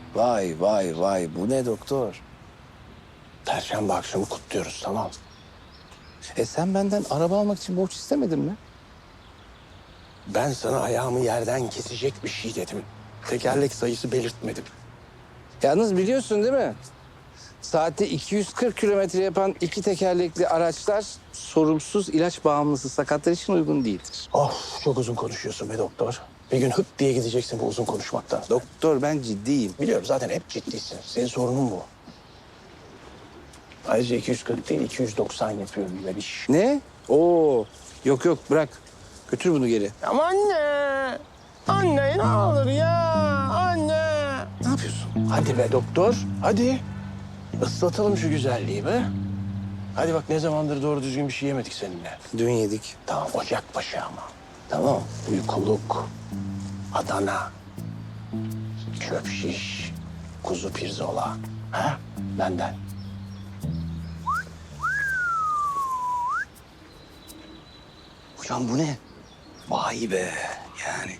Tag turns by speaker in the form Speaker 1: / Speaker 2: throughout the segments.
Speaker 1: Vay vay vay, bu ne doktor? Perşembe akşamı kutluyoruz, tamam. Sen benden araba almak için borç istemedin mi? Ben sana ayağımı yerden kesecek bir şey dedim. Tekerlek sayısı belirtmedim. Yalnız biliyorsun değil mi? Saatte 240 kilometre yapan iki tekerlekli araçlar sorumsuz ilaç bağımlısı sakatlar için uygun değildir. Of, çok uzun konuşuyorsun be doktor. Bir gün hıp diye gideceksin bu uzun konuşmaktan. Doktor, ben ciddiyim. Biliyorum, zaten hep ciddisin. Senin sorunun bu. Ayrıca 240 değil 290 yapıyorum Bebiş. Ne? Oo, yok yok, bırak. Götür bunu geri.
Speaker 2: Ama anne. Anne ne olur ya. Anne.
Speaker 1: Ne yapıyorsun? Hadi be doktor, hadi. Islatalım şu güzelliği be. Hadi bak, ne zamandır doğru düzgün bir şey yemedik seninle. Dün yedik. Tamam, ocakbaşı ama. Tamam, uykuluk, Adana, çöp şiş, kuzu pirzola. Ha? Benden. Hocam bu ne? Vay be, yani.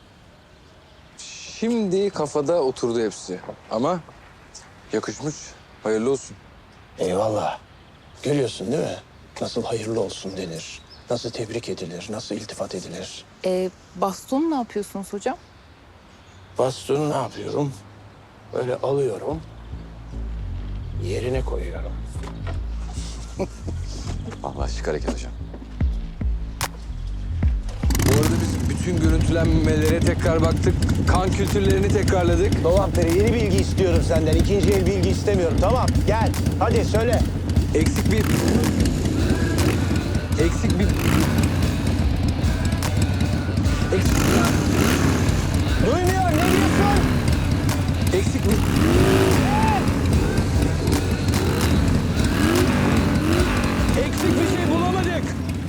Speaker 3: Şimdi kafada oturdu hepsi. Ama yakışmış. Hayırlı olsun.
Speaker 1: Eyvallah. Görüyorsun değil mi? Nasıl hayırlı olsun denir, nasıl tebrik edilir, nasıl iltifat edilir.
Speaker 4: Bastonu ne yapıyorsunuz hocam?
Speaker 1: Bastonu ne yapıyorum? Böyle alıyorum, yerine koyuyorum.
Speaker 3: Allah şık hareket hocam. Bu arada biz bütün görüntülenmelere tekrar baktık. Kan kültürlerini tekrarladık.
Speaker 2: Dolapdere yeni bilgi istiyorum senden. İkinci el bilgi istemiyorum. Tamam gel. Hadi söyle.
Speaker 3: Eksik bir... Eksik bir... Eksik...
Speaker 2: Duymuyor. Ne diyorsun?
Speaker 3: Eksik bir... Eksik bir şey bulamadık.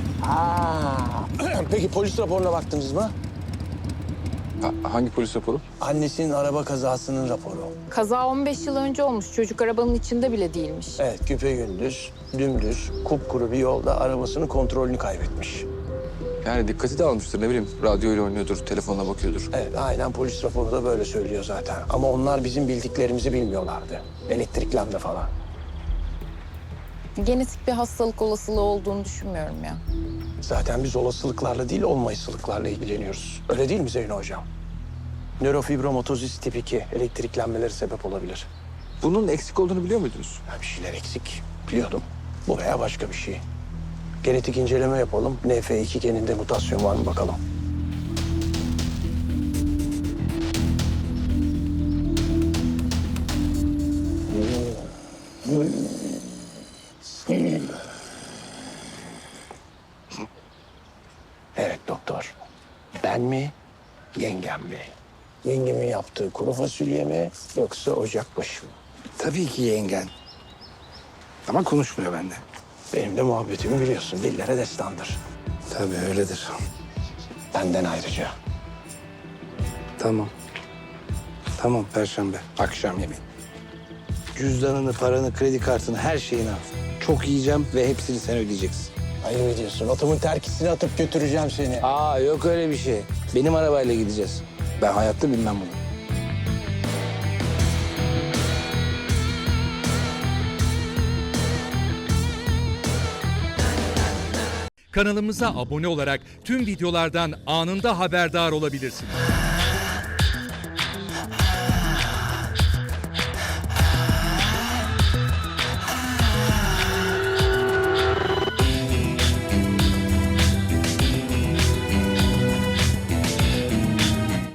Speaker 1: Peki polis raporuna baktınız mı?
Speaker 3: Hangi polis raporu?
Speaker 1: Annesinin araba kazasının raporu.
Speaker 4: Kaza 15 yıl önce olmuş. Çocuk arabanın içinde bile değilmiş.
Speaker 1: Evet, güpegündüz, dümdüz, kupkuru bir yolda arabasının kontrolünü kaybetmiş.
Speaker 3: Yani dikkati dağılmıştır, ne bileyim. Radyoyla oynuyordur, telefonla bakıyordur.
Speaker 1: Evet, aynen polis raporu da böyle söylüyor zaten. Ama onlar bizim bildiklerimizi bilmiyorlardı. Elektrik lambda falan.
Speaker 4: Genetik bir hastalık olasılığı olduğunu düşünmüyorum ya.
Speaker 1: Zaten biz olasılıklarla değil, olmayısılıklarla ilgileniyoruz. Öyle değil mi Zeyno Hocam? Nörofibromatosis tip 2 elektriklenmeleri sebep olabilir.
Speaker 3: Bunun eksik olduğunu biliyor muydunuz?
Speaker 1: Bir şeyler eksik. Biliyordum. Bu veya başka bir şey. Genetik inceleme yapalım. NF2 geninde mutasyon var mı bakalım. Evet doktor. Ben mi, yengem mi? Yengemin yaptığı kuru fasulye mi yoksa ocakbaşı mı? Tabii ki yengen. Ama konuşmuyor bende. Benim de muhabbetimi biliyorsun. Dillere destandır. Tabii öyledir. Benden ayrıca. Tamam. Tamam, Perşembe. Akşam yemeği. Cüzdanını, paranı, kredi kartını, her şeyini al. Çok yiyeceğim ve hepsini sen ödeyeceksin. Ayıp ediyorsun. Otomun terkisini atıp götüreceğim seni. Aa, yok öyle bir şey. Benim arabayla gideceğiz. Ben hayatta bilmem bunu.
Speaker 5: Kanalımıza abone olarak tüm videolardan anında haberdar olabilirsiniz.